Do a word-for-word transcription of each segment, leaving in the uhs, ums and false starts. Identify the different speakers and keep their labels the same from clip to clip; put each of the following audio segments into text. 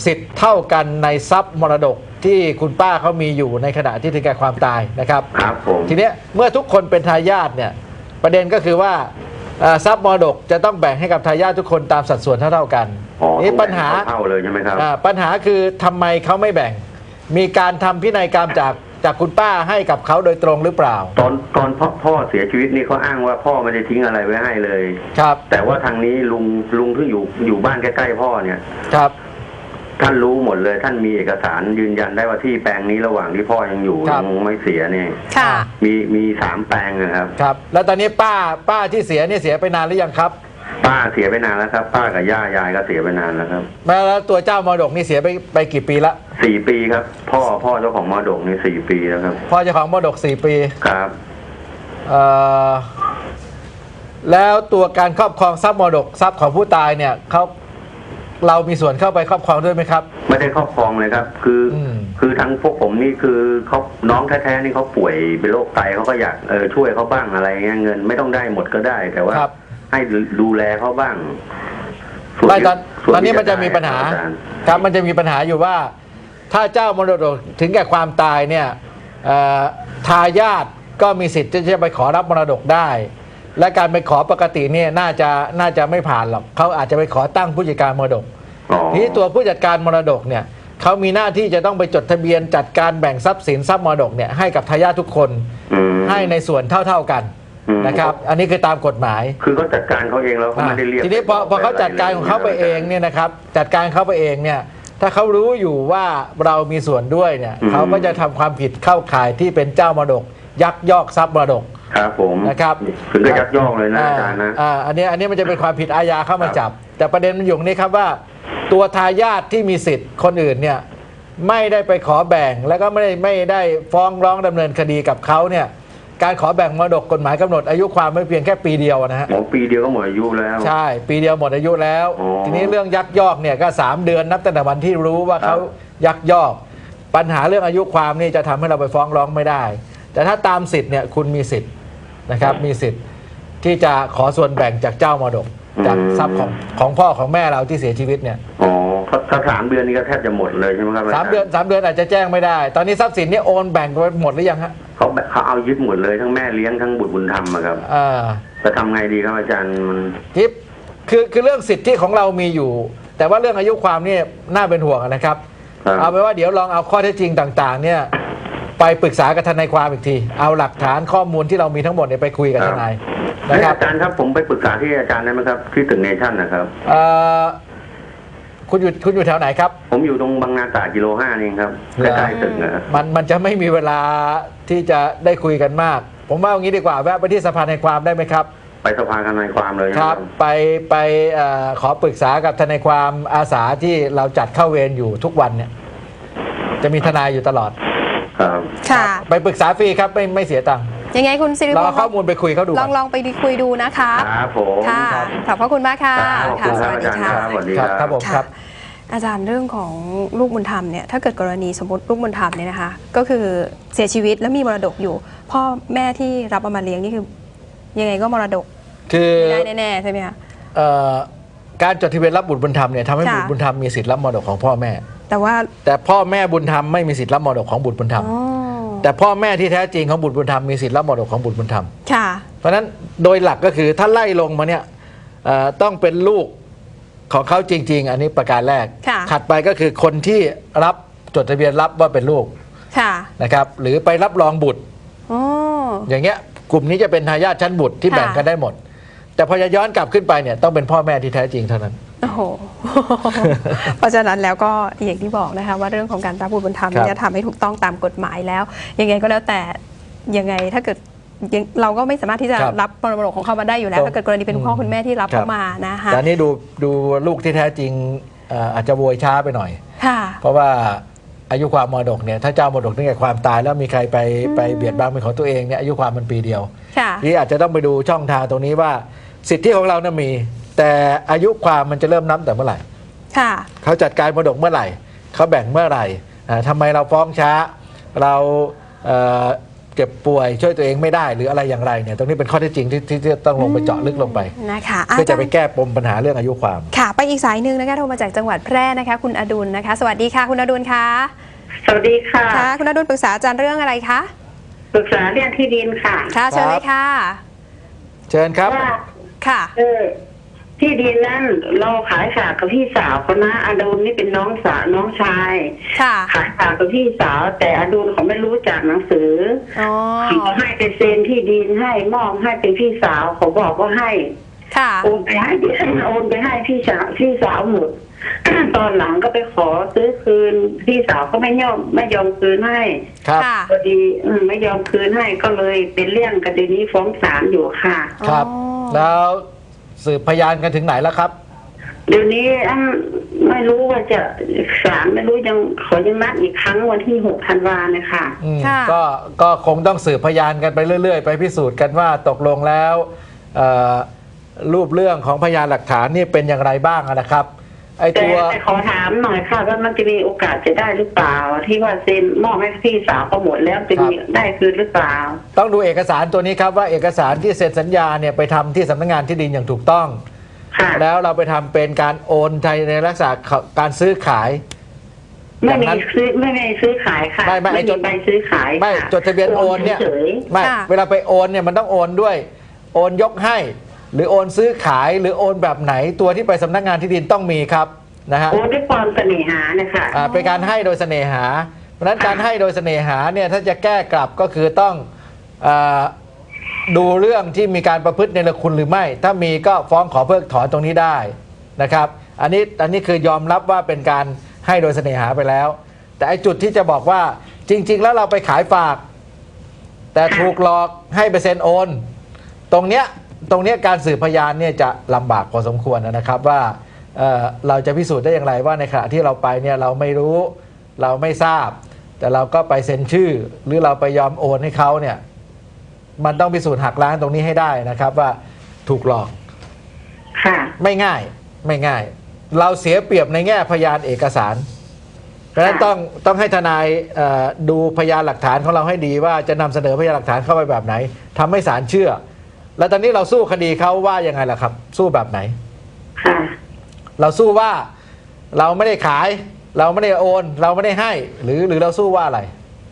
Speaker 1: สิทธิ์เท่ากันในทรัพย์มรดกที่คุณป้าเขามีอยู่ในขณะที่ถึงแก่ความตายนะครับ
Speaker 2: ครับผม
Speaker 1: ทีนี้เมื่อทุกคนเป็นทายาทเนี่ยประเด็นก็คือว่าทรัพย์มรดกจะต้องแบ่งให้กับทายาททุกคนตามสัดส่วนเท่าๆกัน
Speaker 2: นี่ปัญหาเท่าเลยใช่ไหมครับ
Speaker 1: ปัญหาคือทำไมเขาไม่แบ่งมีการทำพินัยกรรมจากจากคุณป้าให้กับเขาโดยตรงหรือเปล่า
Speaker 2: ตอนตอนพ่อพ่อเสียชีวิตนี่เขาอ้างว่าพ่อไม่ได้ทิ้งอะไรไว้ให้เลย
Speaker 1: ครับ
Speaker 2: แต่ว่าทางนี้ลุงลุงที่อยู่อยู่บ้านใกล้ๆพ่อเนี่ย
Speaker 1: ครับ
Speaker 2: ท่านรู้หมดเลยท่านมีเอกสารยืนยันได้ว่าที่แปลงนี้ระหว่างที่พ่อยังอยู่ยังไม่เสียเนี่ยมีมีสามแปลงนะครับ
Speaker 1: ครับแล้วตอนนี้ป้าป้าที่เสียเนี่ยเสียไปนานหรือยังครับ
Speaker 2: ป้าเสียไปนานแล้วครับป้ากับย่ายายก็เสียไปนานแล้วครับ
Speaker 1: แล้วตัวเจ้ามรดกนี่เสียไปไปกี่ปีละ
Speaker 2: สี่ปีครับพ่อพ่อเจ้าของมรดกนี่สี่ปีแล้วครับ
Speaker 1: พ่อเจ้าของมรดกสี่ปี
Speaker 2: ครับ
Speaker 1: เอ่อแล้วตัวการครอบครองทรัพย์มรดกทรัพย์ของผู้ตายเนี่ยเขาเรามีส่วนเข้าไปครอบครองด้วยไหมครับ
Speaker 2: ไม่ได้ครอบครองเลยครับคือคือทั้งพวกผมนี่คือเขาน้องแท้ๆนี่เขาป่วยเป็นโรคไตเขาก็อยากเออช่วยเขาบ้างอะไรเงี้ยเงินไม่ต้องได้หมดก็ได้แต่ว่าให้ดูแลเขาบ้าง
Speaker 1: ไม่ตอนตอนนี้มันจะมีปัญหาครับมันจะมีปัญหาอยู่ว่าถ้าเจ้ามรดกถึงแก่ความตายเนี่ยทายาทก็มีสิทธิ์ที่จะไปขอรับมรดกได้และการไปขอปกติเนี่ยน่าจะน่าจะไม่ผ่านหรอกเขาอาจจะไปขอตั้งผู้จัดการมรดกทีนี้ตัวผู้จัดการมรดกเนี่ยเขามีหน้าที่จะต้องไปจดทะเบียนจัดการแบ่งทรัพย์สินทรัพย์มรดกเนี่ยให้กับทายาททุกคนให้ในส่วนเท่าๆกันนะครับอันนี้คือตามกฎหมาย
Speaker 2: คือเขาจัดการเขาเองแล้วเขาไม่ได้เรียก
Speaker 1: ทีนี้พอพอเขาจัดการของเขาไปเองเนี่ยนะครับจัดการเขาไปเองเนี่ยถ้าเขารู้อยู่ว่าเรามีส่วนด้วยเนี่ยเขาก็จะทำความผิดเข้าข่ายที่เป็นเจ้ามรดกยักยอกทรัพย์มรดก
Speaker 2: ครับผม
Speaker 1: นะครับ
Speaker 2: ถึงจะยักยอกเลยนะอาจารย์นะ
Speaker 1: อ่าอันนี้อันนี้มันจะเป็นความผิดอาญาเข้ามาจับแต่ประเด็นมันอยู่นี้ครับว่าตัวทายาทที่มีสิทธิ์คนอื่นเนี่ยไม่ได้ไปขอแบ่งแล้วก็ไม่ได้ไม่ได้ฟ้องร้องดำเนินคดีกับเขาเนี่ยการขอแบ่งมรดกกฎหมายกำหนดอายุความไม่เพียงแค่ปีเดียวนะฮะ
Speaker 2: ปีเดียวก็หมดอายุแล้ว
Speaker 1: ใช่ปีเดียวหมดอายุแล้วทีนี้เรื่องยักยอกเนี่ยก็สามเดือนนับตั้งแต่วันที่รู้ว่าเขายักยอกปัญหาเรื่องอายุความนี่จะทำให้เราไปฟ้องร้องไม่ได้แต่ถ้าตามสิทธิ์เนี่ยคุณมีสิทธิ์นะครับมีสิทธิ์ที่จะขอส่วนแบ่งจากเจ้ามรดกจากทรัพย์ของของพ่อของแม่เราที่เสียชีวิตเนี่ย
Speaker 2: อ๋อถ้าสามเดือนนี้ก็แทบจะหมดเลยใช่ไหมครับ
Speaker 1: สามเดือนสามเดือนอาจจะแจ้งไม่ได้ตอนนี้ทรัพย์สินนี่โอนแบ่งไปหมดหรือยังฮะ
Speaker 2: เขาเขาเอายึดหมดเลยทั้งแม่เลี้ยงทั้งบุตรบุญธรรมครับ
Speaker 1: อ่า
Speaker 2: จะทำไงดีครับอาจารย์มัน
Speaker 1: ทิปคือคือเรื่องสิทธิของเรามีอยู่แต่ว่าเรื่องอายุความนี่น่าเป็นห่วงนะครับเอาไปว่าเดี๋ยวลองเอาข้อเท็จจริงต่างๆเนี่ยไปปรึกษากับทนายความอีกทีเอาหลักฐานข้อมูลที่เรามีทั้งหมดเนี่ยไปคุยกับทนาย
Speaker 2: นะครับอาจารย์ครับผมไปปรึกษาที่อาจารย์ได้ไหมครับที่ตึกเนชั่นนะครับ
Speaker 1: คุณอยู่คุณอยู่แถวไหนครับ
Speaker 2: ผมอยู่ตรงบางนาตรากิโลห้านี่ครับใกล้ๆตึกนะ
Speaker 1: มันมันจะไม่มีเวลาที่จะได้คุยกันมากผมว่าอย่างนี้ดีกว่าแวะไปที่สภาทนายความได้ไหมครับ
Speaker 2: ไปสภาทนายความเลย
Speaker 1: ครับไปไปขอปรึกษากับทนายความอาสาที่เราจัดเข้าเวรอยู่ทุกวันเนี่ยจะมีทนายอยู่ตลอด
Speaker 2: ครับ
Speaker 3: ค่ะ
Speaker 1: ไปปรึกษาฟรีครับไม่ไม่เสียตังค์
Speaker 3: ยังไงคุณสิริพงศ์
Speaker 1: รอข้อมูลไปคุยเขาดู
Speaker 3: ลองลองไปคุยดูนะคะ
Speaker 2: ครับผม
Speaker 3: ค่ะขอบพระคุณมากค่ะ
Speaker 2: ค่ะสวัสดีค่ะสวัสดีครับ
Speaker 1: ครับผมครับ
Speaker 3: อาจารย์เรื่องของลูกบุญธรรมเนี่ยถ้าเกิดกรณีสมมติลูกบุญธรรมเนี่ยนะคะก็คือเสียชีวิตแล้วมีมรดกอยู่พ่อแม่ที่รับเอามาเลี้ยงนี่คือยังไงก็มรดก
Speaker 1: คือ
Speaker 3: ได้แน่ๆใช่ไหมคะ
Speaker 1: การจดทะเบียนรับบุตรบุญธรรมเนี่ยทำให้บุตรบุญธรรมมีสิทธิ์รับมรดกของพ่อแม่
Speaker 3: แต่ว่า
Speaker 1: แต่พ่อแม่บุญธรรมไม่มีสิทธิ์รับมรดกของบุตรบุญธรรมแต่พ่อแม่ที่แท้จริงของบุตรบุญธรรมมีสิทธิ์รับมรดกของบุตรบุญธรรม
Speaker 3: ค่ะ
Speaker 1: เพราะฉะนั้นโดยหลักก็คือถ้าไล่ลงมาเนี่ยต้องเป็นลูกของเขาจริงๆอันนี้ประการแรกถัดไปก็คือคนที่รับจดทะเบียนรับว่าเป็นลูกนะครับหรือไปรับรองบุตรอย่างเงี้ยกลุ่มนี้จะเป็นทายาทชั้นบุตรที่แบ่งกันได้หมดแต่พอจะย้อนกลับขึ้นไปเนี่ยต้องเป็นพ่อแม่ที่แท้จริงเท่านั้น
Speaker 3: โอ้โหเพราะฉะนั้นแล้วก็อย่างที่บอกนะคะว่าเรื่องของการรับบุตรบุญธรรมจะทำให้ถูกต้องตามกฎหมายแล้วยังไงก็แล้วแต่ยังไงถ้าเกิดเราก็ไม่สามารถที่จะรับมรดกของเขามาได้อยู่แล้วถ้าเกิดกรณีเป็นพ่อคุณแม่ที่รับเข้ามานะคะ
Speaker 1: แต่นี่ดูดูลูกที่แท้จริงอาจจะโวยช้าไปหน่อยเพราะว่าอายุความมรดกเนี่ยถ้าเจ้ามรดกตั้งแต่ความตายแล้วมีใครไปไปเบียดบังเป็นของตัวเองเนี่ยอายุความมันปีเดียวนี่อาจจะต้องไปดูช่องทางตรงนี้ว่าสิทธิของเราเนี่ยมีแต่อายุความมันจะเริ่มนับแต่เมื่อไหร่เขาจัดการมรดกเมื่อไหร่เขาแบ่งเมื่อไหร่ทำไมเราฟ้องช้าเราเจ็บป่วยช่วยตัวเองไม่ได้หรืออะไรอย่างไรเนี่ยตรงนี้เป็นข้อเท็จจริงที่ที่ที่ต้องลงไปเจาะลึกลงไป
Speaker 3: นะคะ
Speaker 1: เพื่อจะไปแก้ปมปัญหาเรื่องอายุความ
Speaker 3: ค่ะไปอีกสายหนึ่งนะคะโทรมาจากจังหวัดแพร่นะคะคุณอดุลนะคะสวัสดีค่ะคุณอดุลคะ
Speaker 4: สวัสดีค่ะ
Speaker 3: ค่ะคุณอดุลปรึกษาอาจารย์เรื่องอะไรคะ
Speaker 4: ปรึกษาเรื่องที่ดินค่ะ
Speaker 3: ค่ะเชิญเลยค่ะ
Speaker 1: เชิญครับ
Speaker 4: ว่า
Speaker 3: ค่ะ
Speaker 4: เออที่ดินนั้นเราขายฝากกับพี่สาวเขานะอดุลนี่เป็นน้องสาวน้องชาย
Speaker 3: ค่ะ
Speaker 4: ขายฝากกับพี่สาว แต่อดุลเขาไม่รู้จักหนังสือ
Speaker 3: อ๋อ
Speaker 4: เขาให้ไปเซ็นที่ดินให้มอบให้เป็นพี่สาวเขาบอกว่าให้
Speaker 3: ค่ะ
Speaker 4: โอนไปให้โอนไปให้พี่สาวพี่สาวหมด ตอนหลังก็ไปขอซื้อคืนพี่สาวก็ไม่ยอมไม่ยอมคืนให้
Speaker 1: ครับ
Speaker 3: ค่ะ
Speaker 4: พอดีอืมไม่ยอมคืนให้ก็เลยเป็นเรื่องคดีนี้ฟ้องศาลอยู่ค่ะ
Speaker 1: ครับ
Speaker 3: อ๋อ
Speaker 1: แล้วสืบพยานกันถึงไหนแล้วครับ
Speaker 4: เดี๋ยวนี้อันไม่รู้ว่าจะศาลไม่รู้ยังขอยังนัดอีกครั้งวันที่หกธันวาเนี่ยค่ะ
Speaker 1: อืม
Speaker 3: ค่ะ
Speaker 1: ก็ก็คงต้องสืบพยานกันไปเรื่อย ๆ ไปพิสูจน์กันว่าตกลงแล้วเอ่อรูปเรื่องของพยานหลักฐานนี่เป็นอย่างไรบ้างนะครับไอ้
Speaker 4: แต่
Speaker 1: ตัว
Speaker 4: แต่ขอถามหน่อยค่ะว่ามันจะมีโอกาสจะได้หรือเปล่า ที่ว่าเซ็นมอบให้พี่สาวเขาหมดแล้วจะมีได้คืนหรือเปล่า
Speaker 1: ต้องดูเอกสารตัวนี้ครับว่าเอกสารที่เซ็นสัญญาเนี่ยไปทำที่สำนักงานที่ดินอย่างถูกต้อง
Speaker 4: ค่ะ
Speaker 1: แล้วเราไปทำเป็นการโอนไทยในลักษณะการซื้อขาย
Speaker 4: ไม่มี
Speaker 1: อย่างนั้น
Speaker 4: ซื้อไม่มีซื้อขายค่ะ
Speaker 1: ไม่ไม่ไอ้
Speaker 4: มี
Speaker 1: จด
Speaker 4: ใบซื้อขาย
Speaker 1: ไม่
Speaker 4: ค่ะ
Speaker 1: จดทะเบียนโอนเนี่ย
Speaker 4: ฉย
Speaker 1: ไม่
Speaker 3: ค่ะ
Speaker 1: เวลาไปโอนเนี่ยมันต้องโอนด้วยโอนยกให้ หรือโอนซื้อขายหรือโอนแบบไหนตัวที่ไปสำนักงานที่ดินต้องมีครับนะฮะ
Speaker 4: ๆโอนด้วยความเสน่หานะคะ
Speaker 1: อ่าเป็นการให้โดยเสน่หา เพราะฉะนั้นการให้โดยเสน่หาเนี่ยถ้าจะแก้กลับก็คือต้องอาดูเรื่องที่มีการประพฤติในละคุณหรือไม่ ถ้ามีก็ฟ้องขอเพิกถอนตรงนี้ได้นะครับอันนี้อันนี้คือยอมรับว่าเป็นการให้โดยเสน่หาไปแล้ว แต่ไอ้จุดที่จะบอกว่าจริง ๆ แล้วเราไปขายฝาก แต่ถูกหลอกให้ไปเซ็นโอน ตรงเนี้ยตรงเนี้ยการสืบพยานเนี่ยจะลำบากพอสมควรนะครับว่าเอ่อเราจะพิสูจน์ได้อย่างไรว่าในขณะที่เราไปเนี่ยเราไม่รู้เราไม่ทราบ แต่เราก็ไปเซ็นชื่อ หรือเราไปยอมโอนให้เขาเนี่ยมันต้องพิสูจน์หักล้างตรงนี้ให้ได้นะครับว่าถูกหลอก
Speaker 4: ค่ะ
Speaker 1: ไม่ง่ายไม่ง่าย เราเสียเปรียบในแง่พยานเอกสาร เพราะฉะนั้นต้องต้องให้ทนายเอ่อดูพยานหลักฐานของเราให้ดีว่าจะนำเสนอพยานหลักฐานเข้าไปแบบไหนทำให้ศาลเชื่อ แล้วตอนนี้เราสู้คดีเขาว่ายังไงล่ะครับ สู้แบบไหน
Speaker 4: ค่ะ
Speaker 1: เราสู้ว่าเราไม่ได้ขาย เราไม่ได้โอน เราไม่ได้ให้ หรือหรือเราสู้ว่าอะไร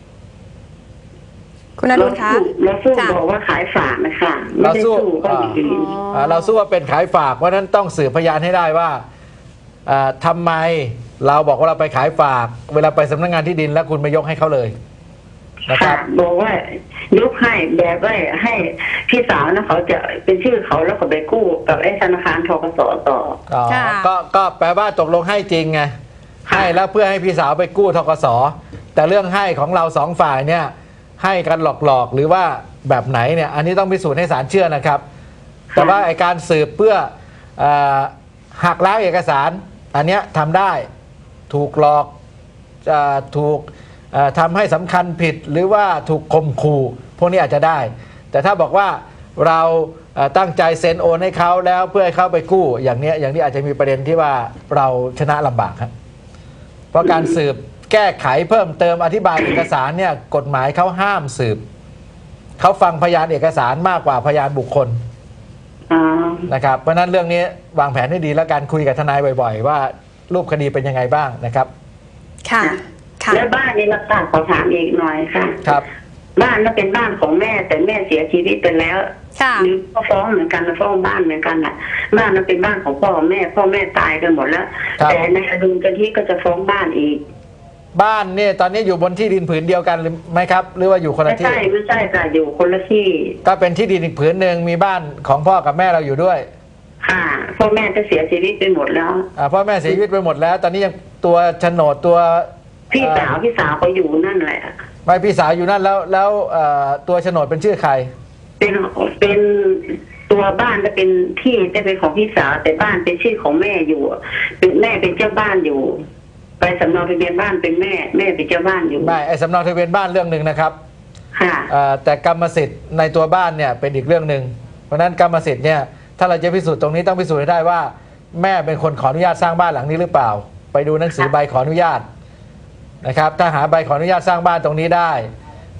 Speaker 3: คุณอดุลคะ
Speaker 4: เราสู้
Speaker 3: ค่ะ
Speaker 4: บอกว่าขายฝากนะคะไม่
Speaker 1: เรา
Speaker 4: ได้
Speaker 1: สู้
Speaker 4: สู้ก็อย่างอื่น
Speaker 1: อ่าเราสู้ว่าเป็นขายฝากเพราะฉะนั้นต้องสืบพยานให้ได้ว่าอ่าทำไมเราบอกว่าเราไปขายฝาก เวลาไปสำนักงานที่ดินแล้วคุณไม่ยกให้เขาเลยนะค
Speaker 4: ค่ะ
Speaker 1: รับ
Speaker 4: บอกว่ายกให้แบบว่าให้พี่สาวนะเขาจะเป็นชื่อเขาแล้วก็ไปกู้กับไอ้ธนาคารทกสต่อ
Speaker 1: อ๋อ
Speaker 3: ค่ะ
Speaker 1: ก็ก็แปลว่าตกลงให้จริงไง
Speaker 4: ค่ะ
Speaker 1: ให้แล้วเพื่อให้พี่สาวไปกู้ทกสแต่เรื่องให้ของเราสองฝ่ายเนี่ยให้กันหลอกๆหรือว่าแบบไหนเนี่ยอันนี้ต้องพิสูจน์ให้ศาลเชื่อนะครับ แต่ว่าไอการสืบเพื่อเออหักล้างเอกสาร อันเนี้ยทำได้ถูกหลอกเออถูกเอ่อทำให้สำคัญผิดหรือว่าถูกข่มขู่พวกนี้อาจจะได้ แต่ถ้าบอกว่าเราเอ่อตั้งใจเซ็นโอนให้เขาแล้วเพื่อให้เขาไปกู้อย่างเนี้ยอย่างนี้อาจจะมีประเด็นที่ว่าเราชนะลำบากครับเพราะการสืบแก้ไขเพิ่มเติมอธิบายเอกสารเนี่ยกฎหมายเขาห้ามสืบเขาฟังพยานเอกสารมากกว่าพยานบุคคล
Speaker 4: อ๋อ
Speaker 1: นะครับเพราะฉะนั้นเรื่องนี้วางแผนให้ดีแล้วการคุยกับทนายบ่อยๆ ว่ารูปคดีเป็นยังไงบ้างนะครับ
Speaker 3: ค่ะค่ะ
Speaker 4: แล้วบ้านนี้รักษาขอถามอีกหน่อยค่ะ
Speaker 1: ครับ
Speaker 4: บ้านนั้นเป็นบ้านของแม่แต่แม่เสียชีวิตไปแล้ว
Speaker 3: ค่ะ
Speaker 4: หรือก็ฟ้องเหมือนกันนะฟ้องบ้านเหมือนกันอ่ะ บ้านนั้นเป็นบ้านของพ่อแม่ พ่อแม่ตายกันหมดแล้ว
Speaker 1: ครับ
Speaker 4: แต่ในอดุลกันที่ก็จะฟ้องบ้านอีก
Speaker 1: บ้านเนี่ยตอนนี้อยู่บนที่ดินผืนเดียวกันหรือไม่ครับ หรือว่าอยู่คน
Speaker 4: ไม่
Speaker 1: ละที่
Speaker 4: ใช่ไม่ใช่ค่ะอยู่คนละที่
Speaker 1: ก็เป็นที่ดินอีกผืนหนึ่งมีบ้านของพ่อกับแม่เราอยู่ด้วย
Speaker 4: ค่ะพ่อแม่จะเสียชีวิตไปหมดแล้ว
Speaker 1: อ่าพ่อแม่เสียชีวิตไปหมดแล้ว ตอนนี้ยังตัวโฉนดตัว
Speaker 4: พี่สาว
Speaker 1: เอ่อ
Speaker 4: พี่สาวเขาอยู่นั่นแหละ
Speaker 1: ไม่พี่สาวอยู่นั่นแล้วแล้วเอ่อตัวโฉนดเป็นชื่อใคร
Speaker 4: เป็นเป็นตัวบ้านจะเป็นที่จะเป็นของพี่สาวแต่บ้านเป็นชื่อของแม่อยู่เป็นแม่เป็นเจ้าบ้านอยู่ ไปสำเนาทะเบียนบ้านเป็นแม่แม่เป็นเจ้าบ้านอยู่
Speaker 1: ไม่ไอ้สำเนาทะเบียนบ้านเรื่องหนึ่งนะครับ
Speaker 4: ค่ะ
Speaker 1: เอ่อแต่กรรมสิทธิ์ในตัวบ้านเนี่ยเป็นอีกเรื่องหนึ่งเพราะฉะนั้นกรรมสิทธิ์เนี่ยถ้าเราจะพิสูจน์ตรงนี้ต้องพิสูจน์ให้ได้ว่า แม่เป็นคนขออนุญาตสร้างบ้านหลังนี้หรือเปล่า ไปดูหนังสือใบขออนุญาตนะครับถ้าหาใบขออนุญาตสร้างบ้านตรงนี้ได้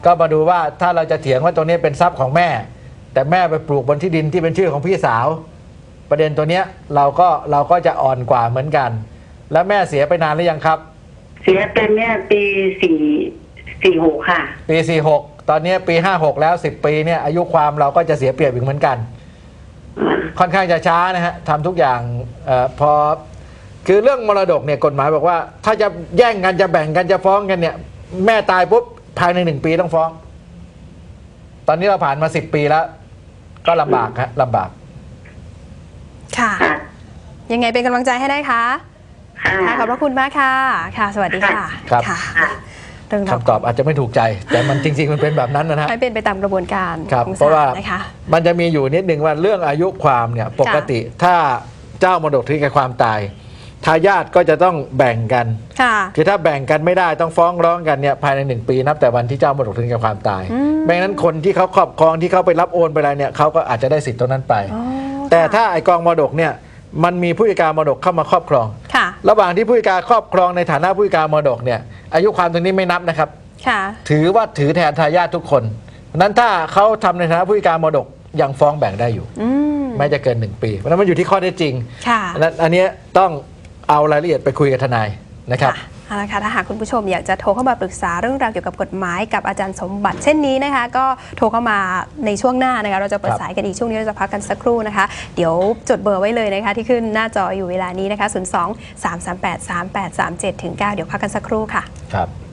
Speaker 1: ก็มาดูว่าถ้าเราจะเถียงว่าตรงนี้เป็นทรัพย์ของแม่ แต่แม่ไปปลูกบนที่ดินที่เป็นชื่อของพี่สาว ประเด็นตัวเนี้ยเราก็เราก็จะอ่อนกว่าเหมือนกัน แล้วแม่เสียไปนานหรือยังครับ
Speaker 4: เสียเป็นเนี่ยปีสี่สี่หกค่ะ
Speaker 1: ปีสี่หกตอนนี้ปีห้าหกแล้วสิบปีเนี่ยอายุความเราก็จะเสียเปรียบอีกเหมือนกัน ค่อนข้างจะช้านะฮะทำทุกอย่างเออพอคือเรื่องมรดกเนี่ยกฎหมายบอกว่า ถ้าจะแย่งกันจะแบ่งกันจะฟ้องกันเนี่ยแม่ตายปุ๊บภายในหนึ่งปีต้องฟ้อง ตอนนี้เราผ่านมาสิบปีแล้ว ก็ลำบากฮะลำบาก
Speaker 3: ค่ะ
Speaker 4: ค่ะ
Speaker 3: ยังไงเป็นกำลังใจให้ได้คะ
Speaker 4: ค่ะ
Speaker 3: ค่ะขอบพระคุณมากค่ะ ค่ะ สวัสดีค่ะ
Speaker 1: ครับ
Speaker 3: ค่ะ
Speaker 4: ค่ะ
Speaker 3: เรื่องราว
Speaker 1: คำตอบอาจจะไม่ถูกใจ แต่มันจริง ๆ มันเป็นแบบนั้นนะฮะ
Speaker 3: ให้เป็นไปตามกระบวนการ
Speaker 1: ครับ
Speaker 3: ของ
Speaker 1: เพราะ
Speaker 3: ศา
Speaker 1: ว่า
Speaker 3: ลนะคะ
Speaker 1: มันจะมีอยู่นิดหนึ่งว่าเรื่องอายุความเนี่ยปกติถ้าเจ้ามรดกถึงแก่ความตายทายาทก็จะต้องแบ่งกัน
Speaker 3: ค่ะ
Speaker 1: คือถ้าแบ่งกันไม่ได้ต้องฟ้องร้องกันเนี่ยภายในหนึ่งปีนับแต่วันที่เจ้ามรดกถึงแก่ความตาย
Speaker 3: อืม
Speaker 1: ไม่งั้นคนที่เขาครอบครองที่เขาไปรับโอนไปอะไรเนี่ยเขาก็อาจจะได้สิทธิ์ตรงนั้นไป
Speaker 3: อ๋อ
Speaker 1: แต่
Speaker 3: ค่ะ
Speaker 1: ถ้าไอกองมรดกเนี่ยมันมีผู้จัดการมรดกเข้ามาครอบครอง
Speaker 3: ค่ะ
Speaker 1: ระหว่างที่ผู้จัดการครอบครองในฐานะผู้จัดการมรดกเนี่ยอายุความตรงนี้ไม่นับนะครับ
Speaker 3: ค่ะ
Speaker 1: ถือว่าถือแทนทายาททุกคนเพราะฉะนั้นถ้าเขาทำในฐานะผู้จัดการมรดกยังฟ้องแบ่งได้อยู่
Speaker 3: อืม
Speaker 1: ไม่จะเกินหนึ่งปี เพราะฉะนั้นมันอยู่ที่ข้อเท็จจริง
Speaker 3: ค่ะ
Speaker 1: อันนั้นอันเนี้ยต้องเอารายละเอียดไปคุยกับทนายนะครับ
Speaker 3: ค่ะเอาละค่ะถ้าหากคุณผู้ชมอยากจะโทรเข้ามาปรึกษาเรื่องราวเกี่ยวกับกฎหมายกับอาจารย์สมบัติเช่นนี้นะคะ ก็โทรเข้ามาในช่วงหน้านะคะเราจะเปิด
Speaker 1: ครับ
Speaker 3: สายกันอีกช่วงนี้เราจะพักกันสักครู่นะคะ เดี๋ยวจดเบอร์ไว้เลยนะคะ ที่ขึ้นหน้าจออยู่เวลานี้นะคะ ศูนย์ สอง สาม สาม แปด สาม แปด สาม เจ็ด ถึง เก้า เดี๋ยวพักกันสักครู่ค่ะ
Speaker 1: ครับ